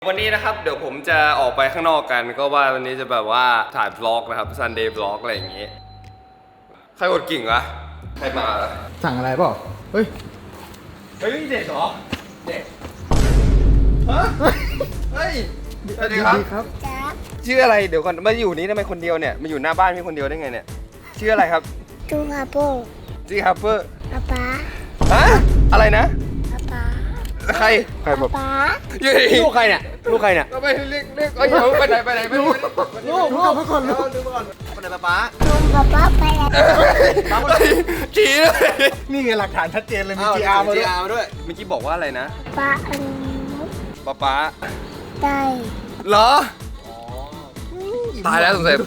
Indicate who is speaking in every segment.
Speaker 1: วันนี้นะครับเดี๋ยวผมจะออกไปข้างนอกกันก็ว่าวันนี้จะแบบว่าถ่ายบล็อกนะครับ Sunday Vlog อะไรอย่างงี้ใครกดกิ่งวะใครมาล่ะ
Speaker 2: สั่งอะไรเปล่าเฮ้ย
Speaker 1: เด็กเหรอเด็กฮะเฮ้ยสวัสดีครับชื่ออะไรเดี๋ยวก่อนมาอยู่นี้ทำไมคนเดียวเนี่ยมาอยู่หน้าบ้านพี่คนเดียวได้ไงเนี่ยชื่ออะไรครับ
Speaker 3: จูฮาโป
Speaker 1: ชื่อฮับเปอร์
Speaker 3: ป๊า
Speaker 1: ฮะอะไรนะ
Speaker 3: ป๊า
Speaker 1: ใครแบบ
Speaker 3: ป๊า
Speaker 2: ลูกใครเนี่ยลูกใครเนี่ย
Speaker 1: ไปเรียกเอ้ยเดี๋ยวไปไหนไป
Speaker 2: ลูกมาก่อนลูกไปไหนป๊า
Speaker 3: ลุงป๊าไปแล้ว
Speaker 1: ชี้เลย
Speaker 2: นี่ไงหลักฐานชัดเจนเลยมี GR มาด้วย
Speaker 1: เมื่อกี้บอกว่าอะไรนะ
Speaker 3: ป๊าอัน
Speaker 1: ป๊า
Speaker 3: ได้
Speaker 1: เหรอตายแล้วสงสัย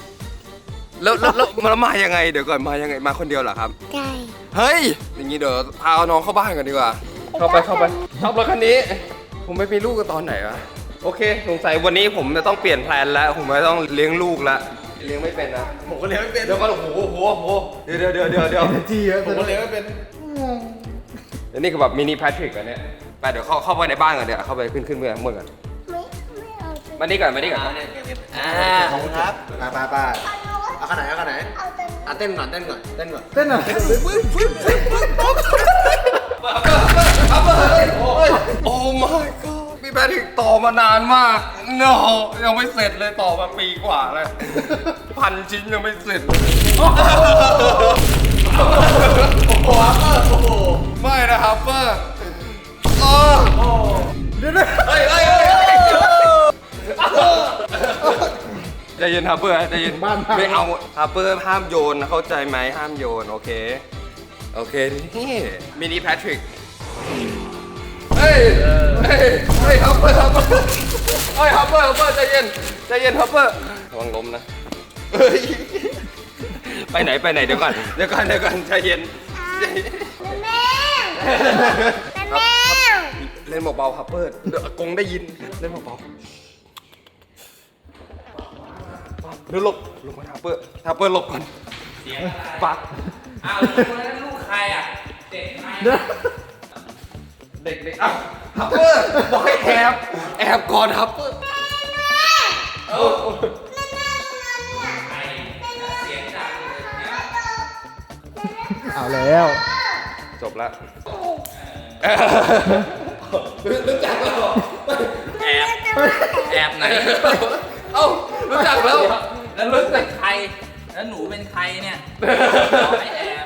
Speaker 1: แล้วมายังไงเดี๋ยวก่อนมายังไงมาคนเดียวเหรอครับ
Speaker 3: ได้
Speaker 1: เฮ้ยอย่างนี้เดี๋ยวพาน้องเข้าบ้านกันดีกว่าเข้าไปชอบรถคันนี้ผมไม่มีลูกกันตอนไหนวะโอเคสงสัยวันนี้ผมจะต้องเปลี่ยนแพลนแล้วผมไม่ต้องเลี้ยงลูกแล้วเลี้ยงไม่เป็นนะ
Speaker 2: ผมก็เลี้ยงไม่เป็น
Speaker 1: เดี๋ยวก่อนโอ้โหเดี๋ยว
Speaker 2: จีเยอะผมก็เลี้ยงไม่เป็น
Speaker 1: อันนี้คือแบบมินิแพทริกอันเนี้ยไปเดี๋ยวเข้าไปในบ้านกันเดี๋ยวเข้าไปขึ้นเมื่อเมื่อกันมานี่ก่อน
Speaker 2: ขอบคุณครับไปเอาขนาดเต้นก่อน
Speaker 1: โอ้ my god พี่แพทริกต่อมานานมาก no ยังไม่เสร็จเลยต่อมาปีกว่าเลย1,000 ชิ้นยังไม่เสร็จไม่นะฮับเปอร์เฮ้ยใจเย็นฮับเปอร์ใจเย็นไม่เอาฮับเปอร์ห้ามโยนเข้าใจไหมห้ามโยนโอเคนี่มินิแพทริกเฮ้ยฮับเปอร์ใจเย็นฮับเปอร์ระวังล้มนะไปไหนเดี๋ยวก่อนใจเย็น
Speaker 3: แม่
Speaker 1: เล่นเบาๆฮับเปอร์เดี๋ยวอากงได้ยินเล่นเบาๆเดี๋ยวหลบก่อนฮับเปอร์หลบก่อน
Speaker 4: เสียง
Speaker 1: ปัก
Speaker 4: อ้าวลูกใครอ่ะเด็กใคร
Speaker 1: เด็กอ้าวฮับเปอร์บอกให้แอบก่อนฮับเปอร์
Speaker 2: เอาแล้ว
Speaker 1: จบแล้วรู้จักแล้ว
Speaker 4: แอบไหน
Speaker 1: เอ้ารู้จักแล้ว
Speaker 4: รู้เป็นใครแล้วหนูเป็นใครเนี่ยไม่แอบ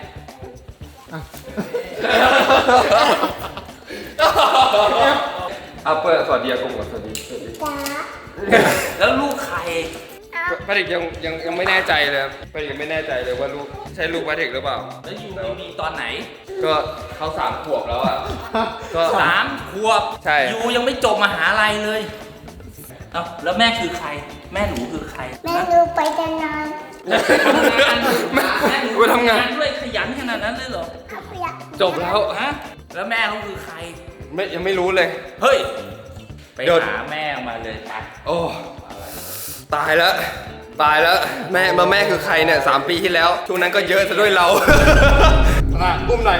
Speaker 1: ฮับเปอร์สวัสดีอากงก่อนสวัสดี
Speaker 4: แล้วลูกใคร
Speaker 1: พาริกยังไม่แน่ใจเลยพาริกยังไม่แน่ใจเลยว่าลูกใช่ลูกพาริกหรือเปล่า
Speaker 4: แล้วยูมีตอนไหน
Speaker 1: ก็เขา3 ขวบแล้วอ่ะ
Speaker 4: ก็3 ขวบ
Speaker 1: ใช่
Speaker 4: ยูยังไม่จบมหาลัยเลยเอ้าแล้วแม่คือใครแม่หนูคือใคร
Speaker 3: แม่หนูไปทำงาน
Speaker 4: แม่หนูทำงานด้วยขยันขนาดนั้นเลยเหรอ
Speaker 1: จบแล้ว
Speaker 4: ฮะแล้วแม่เขาคือใคร
Speaker 1: ยังไม่รู้เลย
Speaker 4: เฮ้ยไปหาแม่มาเลยไป
Speaker 1: โอ้ตายแล้วแม่คือใครเนี่ย3 ปีที่แล้วช่วงนั้นก็เยอะซะด้วยเราอุ้มหน่อย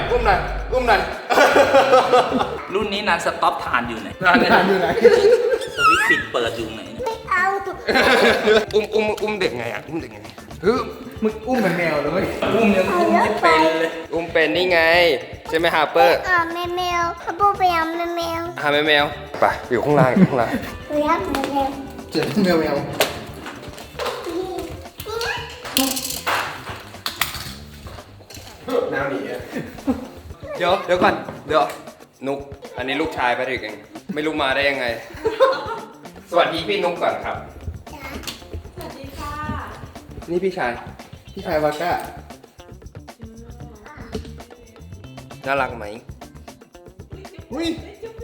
Speaker 4: รุ่นนี้นานสต็อปทานอยู่ไหนสวิตช์ปิดเปิดอยู่ไหน
Speaker 3: ไม่เอา
Speaker 1: อุ้มเด็กไงอ่ะอุ้มเด็กไง
Speaker 2: มึงอุ้มเหมือนแมวเลย
Speaker 4: อุ้มยังอุ้มไม่เป็นเลย
Speaker 1: อุ้มเป็นนี่ไงใช่ไหมฮาร์เปอร์
Speaker 3: แมวฮับเปอร์ไปเอาแมว
Speaker 1: แมวไปอยู่ข้างล่าง
Speaker 3: ไปรับแมว
Speaker 2: เจอแมวน้ำหนี
Speaker 1: เดี๋ยวก่อนนุกอันนี้ลูกชายไปถึงเองไม่รู้มาได้ยังไงสวัสดีพี่นุกก่อนครับ
Speaker 5: สวัสดีค่ะ
Speaker 1: นี่พี่ชายวาก้าน่ารักไหม
Speaker 2: อุ้ย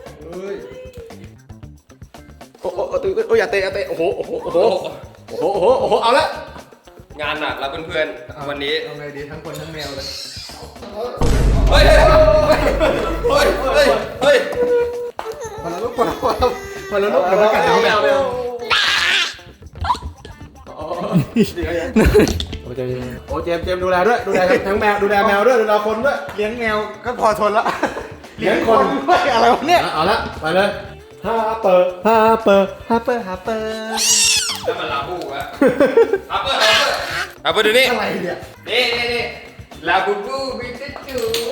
Speaker 2: โอ้อย่าเตะโอ้โหเอาละ
Speaker 1: งานหนักแล้วเพื่อนๆวันนี้
Speaker 2: เอาไงดีทั้งคนทั้งแมวเลย
Speaker 1: เฮ้ย
Speaker 2: พอแล้วลูกเดี๋ยวมากัดน้องแมวโอ้เจมดูแลด้วยดูแลทั้งแมวดูแลแมวด้วยดูแลคนด้วยเลี้ยงแมวก็พอทนละเลี้ยงคนด้วยอะไรวะเนี่ยเอาละไปเลยฮาเปอร์ฮาเปอร์ฮาเปอร์ฮาเปอร์
Speaker 1: แล้วมันลาบูอะฮับเปอร์ฮับเปอร์ดูนี่
Speaker 2: อะไรเนี่ย
Speaker 1: นี่ลาบูบูบิจิจู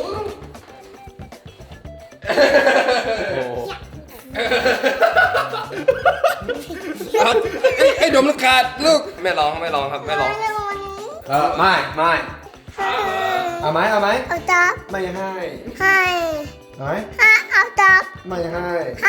Speaker 1: ครับไอ้ดมลูกขาดลูกไม่ร้องครับไม่ร้อง
Speaker 3: ไม่เอาวันนี้
Speaker 2: ไม่เอาไหม
Speaker 3: เอาจับ
Speaker 2: ไม่ให้
Speaker 3: ให้
Speaker 2: เอาไหม
Speaker 3: เอาจับ
Speaker 2: ไม่ให้
Speaker 3: ให้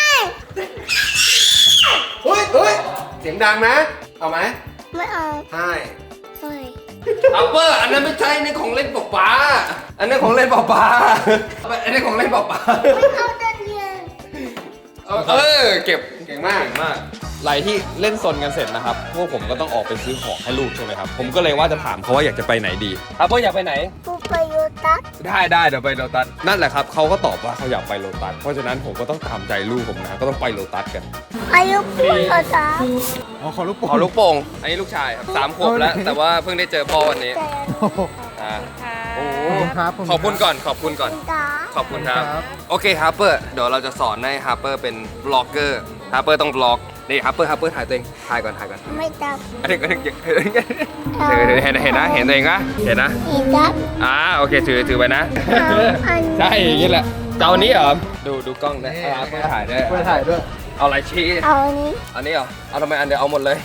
Speaker 2: เฮ้ยเสียงดังนะ เอาไหม
Speaker 3: ไม่เอา
Speaker 2: ให้
Speaker 3: ไม่
Speaker 1: ฮับเปอร์อันนั้นไม่ใช่ในของเล่นป๊าอันนั้นของเล่นป๊าอันนี้ของเล่นป๊า
Speaker 3: ไม่เอาตอนเย็น
Speaker 1: เก็บ
Speaker 2: เก่งมาก
Speaker 1: หลายที่เล่นซนกันเสร็จนะครับพวกผมก็ต้องออกไปซื้อของให้ลูกใช่ไหมครับผมก็เลยว่าจะถามเขาว่าอยากจะไปไหนดีฮับเปอร์อยากไปไหน
Speaker 3: ผู้ไปโยตัส
Speaker 1: ได้เดี๋ยวไปโลตัสนั่นแหละครับเขาก็ตอบว่าเขาอยากไปโลตัสเพราะฉะนั้นผมก็ต้องตามใจลูกผมนะก็ต้องไปโลตัสกัน
Speaker 3: อายุพูดภาษา
Speaker 2: ขอลูกโป่ง
Speaker 1: ขอลูกโป่งอันนี้ลูกชายครับ3 ขวบแล้ว แต่ว่าเพิ่งได้เจอพ่อวันนี้
Speaker 3: แต่
Speaker 1: โอ้
Speaker 2: ครับ
Speaker 1: ขอบคุณก่อนขอบคุณก่อน
Speaker 3: ตา
Speaker 1: ขอบคุณครับ โอเคฮาร์เปอร์เดี๋ยวเราจะสอนให้ฮาร์เปอร์เป็นบล็อกเกอร์ฮาร์เปอร์ต้องบล็อกนี่ฮาร์เปอร์ถ่ายตัวเองถ่ายก่อน
Speaker 3: ไม่จับ
Speaker 1: อันนี้เห็นนะเห็นตัวเองนะเห็นนะ
Speaker 3: อีจับ
Speaker 1: โอเคถือไปนะ
Speaker 3: อัน
Speaker 1: ใช่อย่างนี้แหละเจ้านี้เหรอดูกล้องนะฮาร์เปอร์ถ่ายด้วย
Speaker 2: ไปถ่ายด้วย
Speaker 1: เอาอะไรชี้
Speaker 3: เอาอันนี้
Speaker 1: อันนี้เหรอเอาทำไมอันเดียวเอาหมดเลย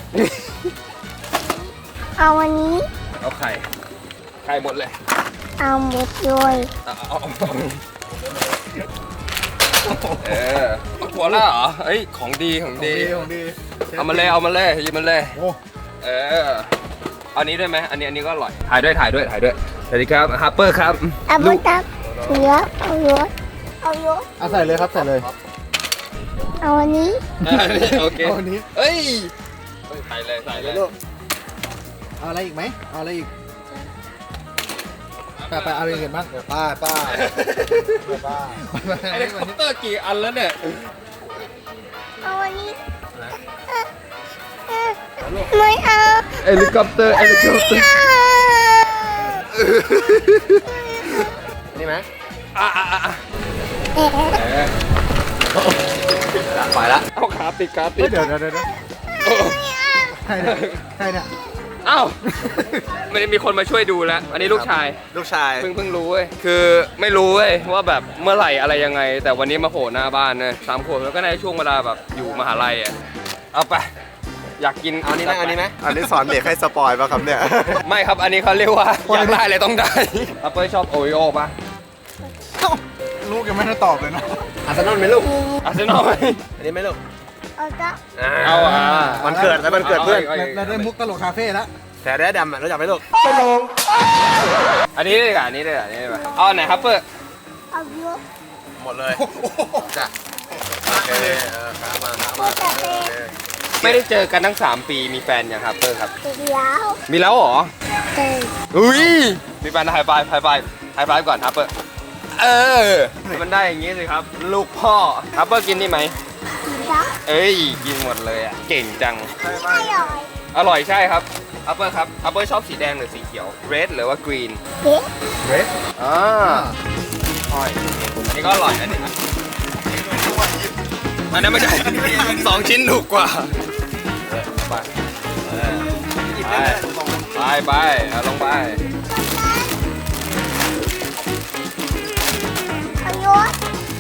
Speaker 3: เอาอันนี้
Speaker 1: เอาไข่หมดเลย
Speaker 3: เอาหมดเลย
Speaker 1: เอาหัวแล้วเหรอเอ้ยของดี
Speaker 2: ของดี
Speaker 1: เอามาเลยหยิบมันเลย
Speaker 2: โอ้
Speaker 1: เอานี้ด้วยไหมอันนี้ก็อร่อยถ่ายด้วยสวัสดีครับฮาร์เปอร์ครับ
Speaker 3: เอาหม
Speaker 1: ลู
Speaker 3: ด
Speaker 1: ก
Speaker 3: จับเยอะเอาเยอะเอาเยอะ
Speaker 2: เอาใส่เลยครับใส่เลย
Speaker 3: เอาอันนี้
Speaker 1: โอเค
Speaker 2: เอาอันนี้
Speaker 1: เอ้ยใส่เลย
Speaker 2: ลูกเอาอะไรอีกไหมเอาอะไรอีกไปเอาอะไรอีกบ้างป้า
Speaker 1: ไอ้เด็กคอปเตอร์กี่อันแล้วเนี่ย
Speaker 3: เอาอันนี้ไม่เอา
Speaker 1: เฮลิคอปเตอร์
Speaker 2: นี่ไหม
Speaker 1: ไปละเอาขาติด
Speaker 2: เดี๋ยวใครเนี่ย
Speaker 1: เอ้าไม่ได้มีคนมาช่วยดูแล้ว อันนี้ลูกชาย
Speaker 2: ลูกชาย
Speaker 1: เพิ่งรู้เว้ย คือไม่รู้เว้ยว่าแบบเมื่อไหร่อะไรยังไง แต่วันนี้มาโผล่หน้าบ้านเลย3 ขวบแล้วก็ในช่วงเวลาแบบอยู่มหาลัยอ่ะ เอาไป อยากกิน
Speaker 2: เอานี้ไหม
Speaker 6: อันนี้สอนเด็กให้สปอยป่ะครับเนี่ย
Speaker 1: ไม่ครับ อันนี้เขาเรียกว่าอยากได้เลยต้องได้อัปเปอร์ชอบโอริโอป่ะ
Speaker 2: ลูกยังไม่ได้ตอบเลยนะอาร์เซนอลไหมลูก
Speaker 1: อาร์เซนอลไหม
Speaker 2: อันนี้ไหมลูก
Speaker 3: เอาจับ
Speaker 1: เอา
Speaker 2: มันเกิดแล้วมันเกิดเพื่อน
Speaker 6: เราได้มุกตลกคาเฟ่แล้ว
Speaker 2: แต่ได้ดำรู้จักไหมลูก
Speaker 1: อันนี้เลยอ่ะอันนี้เลยเอาไหนครับเปอร์
Speaker 3: เอาเยอะ
Speaker 2: หมดเลยจ้ะโอเคมา
Speaker 3: ไม่จับเป็น
Speaker 1: ไม่ได้เจอกันทั้ง3 ปีมีแฟนยังครับเปอร์ครับ
Speaker 3: เดียว
Speaker 1: มีแล้วเหรอ
Speaker 3: เต็ม
Speaker 1: อุ้ยมีแฟนไฮไฟฟ์ก่อนครับเปอร์มันได้อย่างงี้สิครับ ลูกพ่อครับเปอร์กินนี่ไหม
Speaker 3: จับ
Speaker 1: เอ้ยกินหมดเลยอ่ะเก่งจัง
Speaker 3: ไม่อร่อย
Speaker 1: อร่อยใช่ครับอัปเปอร์ครับอัปเปอร์ชอบสีแดงหรือสีเขียว red หรือว่า green
Speaker 3: เด็ก
Speaker 1: อ้อยอันนี้ก็อร่อยนะเนี่ยอันนั้นไม่ใช่ 2 ชิ้นถูกกว่าไปเอาลงไป
Speaker 3: เอาเยอะ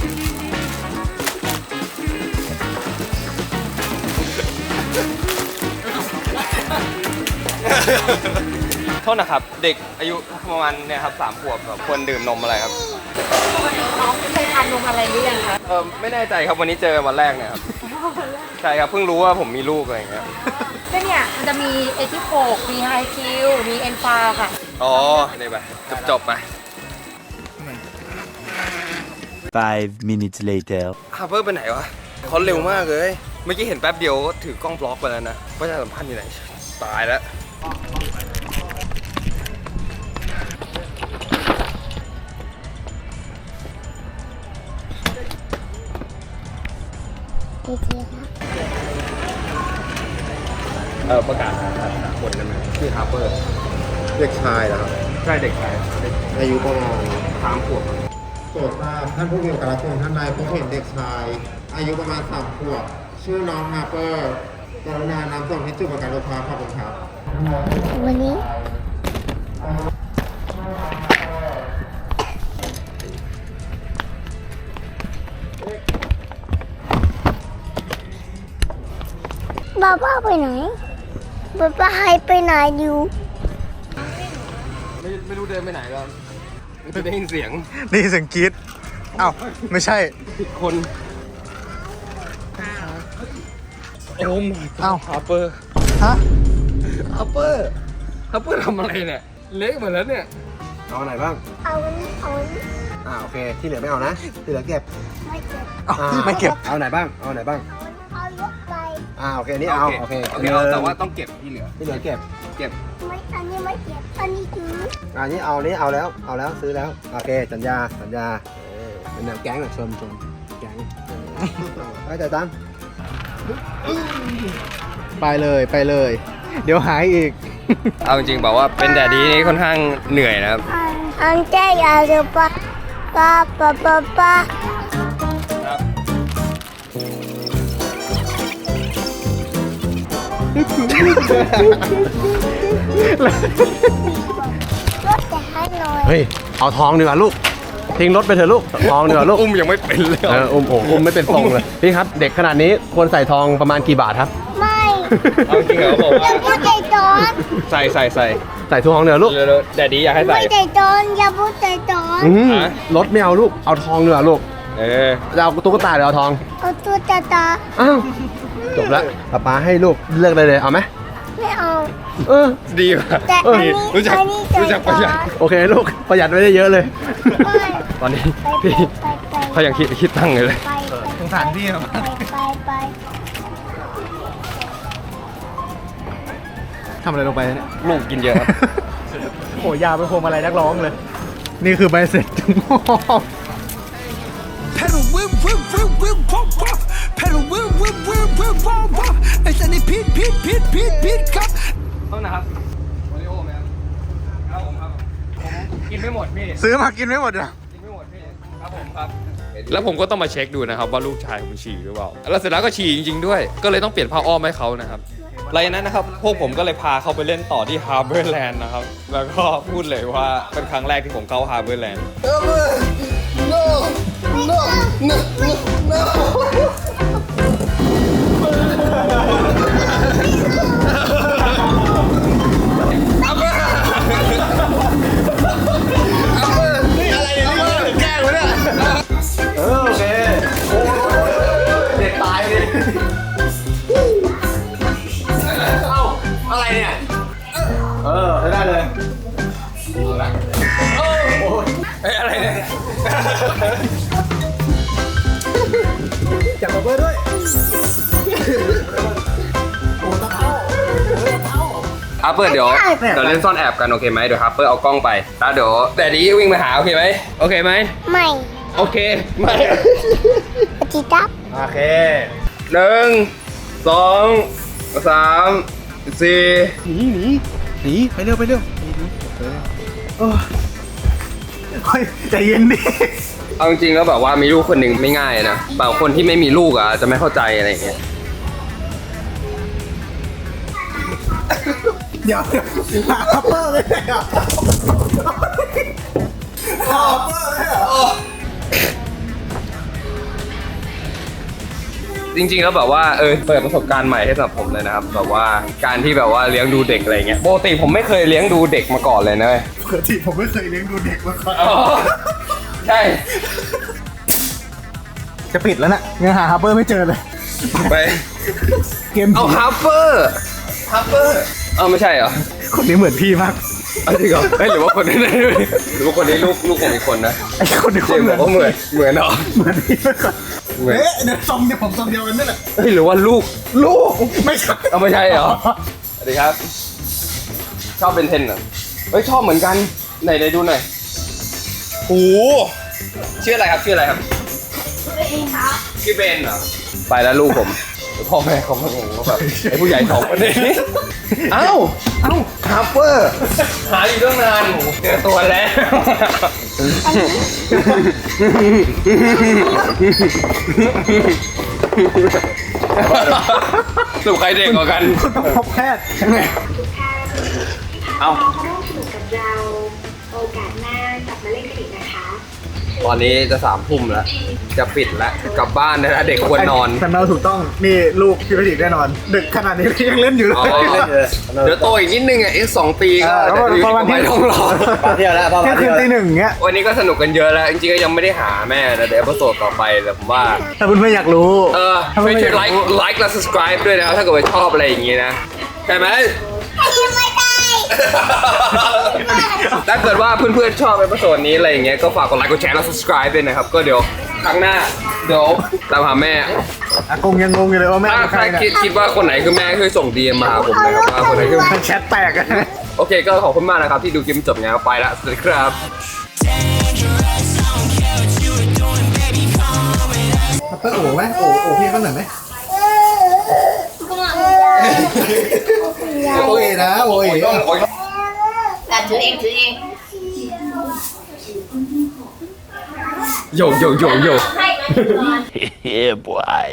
Speaker 1: โทษนะครับ เด็กอายุประมาณเนี่ยครับ3 ขวบแบบควรดื่มนมอะไรครับ
Speaker 5: น้องเคยทานนมอะไรหรือยังคะ
Speaker 1: ไม่แน่ใจครับวันนี้เจอวันแรกเนี่ยครับใช่ครับเพิ่งรู้ว่าผมมีลูกอะไรอย่างเงี้ย
Speaker 5: ก็เนี่ยมันจะมีเอทิโฟกมีไฮคิวมีเอ็นฟาค่ะ
Speaker 1: อ๋อนี่ไปจบไป
Speaker 7: 5 minutes later
Speaker 1: ฮาร์เปอร์ไปไหนวะเขาเร็วมากเลย เมื่อกี้เห็นแป๊บเดียวก็ถือกล้องบล็อกไปแล้วนะว่าจะสัมพันธ์อยู่ไหนตายแล้ว
Speaker 3: ดีเทียครับ
Speaker 1: ประกาศหาคนได้ไหมชื่อฮาร์เปอร์
Speaker 6: เด็กชายนะครับ
Speaker 1: ใช่เด็กชาย
Speaker 6: อายุประมาณ
Speaker 1: 3 ขวบ
Speaker 6: ก็
Speaker 8: รดทราบท่านผู้มีการรับชมท่านใดพบเห็นเด็กชาย อายุประมาณ3 ขวบ ชื่อน้องฮาร์เปอร์กรุณานำส่งที่จุดบริการรถไฟขอบคุณครับ
Speaker 3: วันนี้บ้าบ้าไปไหนบ้าบ้าหายไปไหนอยู่
Speaker 1: ไม่รู้เดินไปไหนแล้วไม่ได้ยินเสียง
Speaker 6: นี่เสียงกรี๊ดอ้าวไม่ใช่
Speaker 1: ผิดคนโอ้ my
Speaker 6: อ้าว
Speaker 1: ฮาร์เปอร์
Speaker 6: ฮะ
Speaker 1: ฮาร์เปอร์ทำอะไรเนี่ย เละหมดแล้วเนี่ย
Speaker 2: เอาไหนบ้าง
Speaker 3: เอาวันนี้เอาวันนี้
Speaker 2: โอเค ที่เหลือไม่เอานะ ที่เหลือเก็บ
Speaker 3: ไม่เจ็บ
Speaker 6: อ้าวไม่เก็บ
Speaker 2: เอาไหนบ้าง เอาไหนบ้าง
Speaker 3: เอายกไป
Speaker 2: โอเค นี่เอา โอเค
Speaker 1: เอาแต่ว่าต้องเก็บที่เหลือ
Speaker 2: ที่เหลือเก็บ
Speaker 3: ไม่อันนี้ไม่เจ็บอันนี้ถือ
Speaker 2: อันนี้เอานี้เอาแล้ว ซื้อแล้ว โอเค สัญญาเป็นแนวแก๊งอะชมแก๊งไปจ่ายตังค์
Speaker 6: ไปเลย เดี๋ยวหายอีก
Speaker 1: เอาจริงๆบอกว่าเป็นแดดดี้นี่ค่อนข้างเหนื่อยนะครับ
Speaker 3: อันเจ๊อยากจะปะปะ รถจะให้หน่อย
Speaker 2: เฮ้ย เอาทองดีกว่าลูก ทิ้งรถไปเถอะลูก ทองดีกว่าลูก
Speaker 1: อุ้มยังไม่เป็นเลย
Speaker 2: อุ้มไม่เป็นทรงเลย พี่ครับ เด็กขนาดนี้ควรใส่ทองประมาณกี่บาทครับ
Speaker 3: ไม่
Speaker 1: เอาจริงเหรอบอก
Speaker 3: อย่า
Speaker 1: ว่า
Speaker 3: พูดใจจอน
Speaker 1: ใส่
Speaker 2: ใส่ทองเดี๋ยวลูก
Speaker 1: แดดดี้อยากให้ใส่
Speaker 3: ไม่ใจจอนอย่าพูดใจจอน
Speaker 1: ฮะ
Speaker 2: รถไม่เอาลูก เอาทองดีกว่าลูก จะเอาตุ๊กตาหรือเอาทอง
Speaker 3: เอาตัวตา
Speaker 2: อ้าว จบแล้วป๊าให้ลูกเลือกเลยเอาไหม
Speaker 3: ไม่เอา
Speaker 1: ดีป่ะ
Speaker 3: แต่อันนี้
Speaker 1: รู้จัก
Speaker 3: อันนี้ใจ
Speaker 1: รู้จัก
Speaker 3: จ
Speaker 1: ประ
Speaker 3: อ
Speaker 1: หยัด
Speaker 3: น
Speaker 2: โอเคลูก ประหยัดไม่ได้เยอะเลย
Speaker 3: ไม่
Speaker 1: ตอนนี้
Speaker 3: ไป
Speaker 1: พี่
Speaker 3: ไปไป
Speaker 1: เขายังคิดตั้งเลย
Speaker 3: ไป
Speaker 6: สงสารพี่เหรอ
Speaker 3: ไป
Speaker 6: ทำอะไรลงไปเนี่ย
Speaker 1: ลูกกินเยอะครับ
Speaker 6: โหยาวไปโคมอะไรนักร้องเลย นี่คือใบเสร็จทั้งหมด
Speaker 9: Pedal whip whip whip whip wop wop Pedal whip whip whip whip wop wop ไอ้สันนี่พีดครับ
Speaker 1: โทษนะครับโอริโอไหมครับครับผมครับผมกินไม่หมดพี่
Speaker 6: ซื้อมากินไม่หมดเหรอ
Speaker 1: กินไม่หมดพี่ครับผมครับ แล้วผมก็ต้องมาเช็คดูนะครับว่าลูกชายผมฉี่หรือเปล่าแล้วเสร็จแล้วก็ฉี่จริงๆด้วย ก็เลยต้องเปลี่ยนผ้าอ้อมให้เขานะครับหลังจากนั้นนะครับพวกผมก็เลยพาเขาไปเล่นต่อที่ Harborland นะครับ แล้วก็พูดเลยว่าเป็นครั้งแรกที่ผมเข้า Harborland
Speaker 2: โอเค เด็กตายเลยอะไรเนี่ย ได้เลย
Speaker 1: เอ้ยอะไรเนี่ย
Speaker 2: จับมาเพื่อด้วย
Speaker 1: ฮับเปอร์เดี๋ยวเล่นซ่อนแอบกันโอเคไหมเดี๋ยวฮับเปอร์เอากล้องไปแล้วเดี๋ยวแดดดี้วิ่งมาหาโอเคไหมโอเคไหม
Speaker 3: ไม่
Speaker 1: โอเคไม่
Speaker 3: จิตับ
Speaker 2: โอเค
Speaker 1: 1 2 3 4
Speaker 6: หนีไปเร็วเฮ้ยใจเย็นดิ
Speaker 1: เอาจริงๆแล้วแบบว่ามีลูกคนหนึ่งไม่ง่ายนะบางคนที่ไม่มีลูกอ่ะจะไม่เข้าใจอะไรอย่างเงี้ย
Speaker 6: เดี๋ยวฮับเปอร์เลยอ่ะฮับเปอร์เลยอ่ะ
Speaker 1: จริงๆแล้วแบบว่าเปิดประสบการณ์ใหม่ให้สำหรับผมเลยนะครับแบบว่าการที่แบบว่าเลี้ยงดูเด็กอะไรเงี้ยปกติผมไม่เคยเลี้ยงดูเด็กมาก่อนเลยนะเว้ย
Speaker 6: ปกติผมไม่เคยเลี้ยงดูเด็กมาก่อน
Speaker 1: อ๋อใช่
Speaker 6: จะปิดแล้วนะยังหาฮับเปอร์ไม่เจอเลย
Speaker 1: ไป
Speaker 6: เกม
Speaker 1: เอา
Speaker 6: ผี
Speaker 1: ฮับเปอร์ไม่ใช่เหรอ
Speaker 6: คนนี้เหมือนพี่มาก
Speaker 1: เอาจริงเหรอหรือว่าคนนี้หรือว่าคนนี้ลูกผมอีกคนนะ
Speaker 6: ไอ้คนนี้
Speaker 1: เจมส์บอกว่าเหมือนเหรอ
Speaker 6: เหมือนพี่มากก่อน
Speaker 1: เหมือน
Speaker 6: เอ๊ะเนี่ยทรงเดียวผมทรงเดียวกันนี่แหละ
Speaker 1: หรือว่าลูก
Speaker 6: ไม่ใช่
Speaker 1: เอาไม่ใช่เหรอสวัสดีครับ ชอบเบนเทนเหรอชอบเหมือนกันไหนดูหน่อยโอ้ชื่ออะไรครับชื่อเบนเหรอไปแล้วลูกผมพ่อแม่เขามางงว่าแบบไอ้ผู้ใหญ่สองคนนี้เอ้าฮาร์เปอร์หาอยู่ตั้งนานเจอตัวแล้ว สรุปใครเด็กกว่ากัน
Speaker 6: ต้องพบแพทย์
Speaker 1: เอา
Speaker 3: กับเราโอกาสหน้ากลับมาเล่นกันอีกนะคะ
Speaker 1: ตอนนี้จะ3 ทุ่มแล้ว จะปิดแล้ว กลับบ้านได้แล้วเด็กควรนอน
Speaker 6: สำเนาถูกต้องนี่ลูกพี่พระดิษฐ์แน่นอน ดึกขนาดนี้ยังเล่นอยู่เลย
Speaker 1: อ๋อเดี๋ยวโตอีกนิดนึงอ่ะอีก2 ปีก็
Speaker 6: แล้วก็ประมาณ
Speaker 1: ไม่ต้องรอ
Speaker 2: เที่ยวแล้วพ่อ
Speaker 6: เที่ยงคืนตี 1เงี้ย
Speaker 1: วันนี้ก็สนุกกันเยอะแล้ว จริงๆก็ยังไม่ได้หาแม่นะเดี๋ยวเอพิโซดต่อไปแต่ผมว่า
Speaker 6: ถ้าเพื่อนๆอยากรู้
Speaker 1: ช่วยไลค์และ subscribe ด้วยนะครับถ้าเกิดว่าชอบอะไรอย่างงี้นะใช่ไหม
Speaker 3: ยังไม่ได้
Speaker 1: ถ้าเกิดว่าเพื่อนๆชอบเอพิโซดนี้อะไรอย่างเงี้ยก็ฝากกดไลค์กดแชร์และ subscribe ด้วยนะครับก็เดี๋ยวครั้งหน้าเดี๋ยวตามหาแม่
Speaker 6: อากงยังงงอยู่เลยว่าแม่
Speaker 1: ถ้า
Speaker 6: เป็น
Speaker 1: ใค
Speaker 6: ใค
Speaker 1: ร
Speaker 6: รเนี่ย
Speaker 1: คิดว่าคนไหนคือแม่ช่วยส่ง DM มาหาผมนะครับว่าคนไหนคือ
Speaker 6: แชทแตกอะ
Speaker 1: โอเคก็ขอบคุณมากนะครับที่ดูคลิปจบงานไปแล้วสวัสดีครับ
Speaker 2: เปิ้ลโอ้ไหมโอ้พี่เขาหน่อยไหมโอ้ยนะโอ้ย
Speaker 5: ถือเองถือเอง
Speaker 1: โย
Speaker 7: Yeah, boy.